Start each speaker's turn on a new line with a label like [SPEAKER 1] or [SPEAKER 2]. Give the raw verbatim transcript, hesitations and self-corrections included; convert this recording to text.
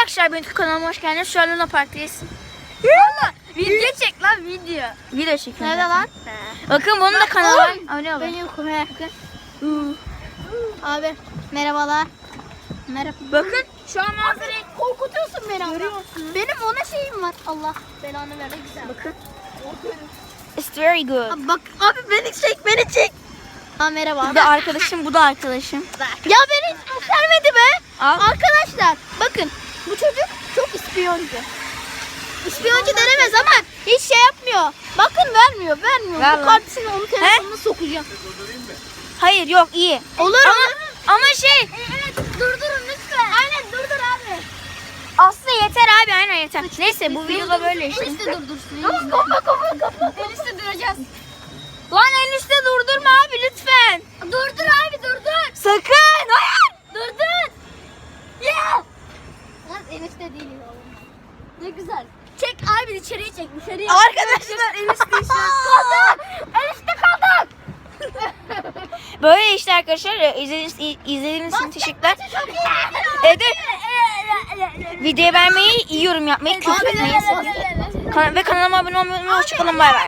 [SPEAKER 1] Arkadaşlar benim kanalıma hoş geldiniz. Şu an Luna Park'tayız. Valla video çek lan video. Video çekiyorum.
[SPEAKER 2] Nerede lan?
[SPEAKER 1] Bakın bunun da kanalı var. Abone olun.
[SPEAKER 2] Benim kumaya. Abi merhabalar. Merhaba.
[SPEAKER 1] Bakın şu an manzarayı
[SPEAKER 2] Korkutuyorsun beni ama. Benim ona şeyim var. Allah belanı ver. Güzel.
[SPEAKER 1] bakın. It's very good.
[SPEAKER 2] Abi bak abi beni çek beni çek. Ha merhaba.
[SPEAKER 1] Bu da arkadaşım, bu da arkadaşım.
[SPEAKER 2] Ya beni hiç göstermedi be.
[SPEAKER 1] Al.
[SPEAKER 2] Arkadaşlar bakın bu çocuk çok ispiyoncu. İspiyoncu denemez ama hiç şey yapmıyor. Bakın vermiyor vermiyor.
[SPEAKER 1] Ver
[SPEAKER 2] Bu
[SPEAKER 1] lan.
[SPEAKER 2] kartısını onun telefonuna sokacağım.
[SPEAKER 1] Hayır yok iyi.
[SPEAKER 2] Olur
[SPEAKER 1] Ama
[SPEAKER 2] olur.
[SPEAKER 1] ama şey
[SPEAKER 2] Evet durdurun lütfen. Aynen durdur abi.
[SPEAKER 1] aslında yeter abi, aynen yeter. Neyse bu videoda böyle işte.
[SPEAKER 2] Enişte durdursun. Tamam kapa kapa kapa. Enişte duracağız.
[SPEAKER 1] Lan en üstte durdurma abi lütfen.
[SPEAKER 2] Durdur abi durdur.
[SPEAKER 1] Sakın. Hayır.
[SPEAKER 2] Durdur. Ya. Lan enişte değil oğlum. Ne güzel. Çek abi içeriye çek dışarıya.
[SPEAKER 1] Arkadaşlar enişte işte.
[SPEAKER 2] Kaldık. Enişte kaldık.
[SPEAKER 1] Böyle işte arkadaşlar. İzlediğiniz, izlediğiniz için teşekkürler.
[SPEAKER 2] Çok iyi.
[SPEAKER 1] Evet. Videoyu beğenmeyi, iyi yorum yapmayı, küfür etmeyi, Kan- ve kanalıma abone olmayı unutmayın. Hoşçakalın, bay bay.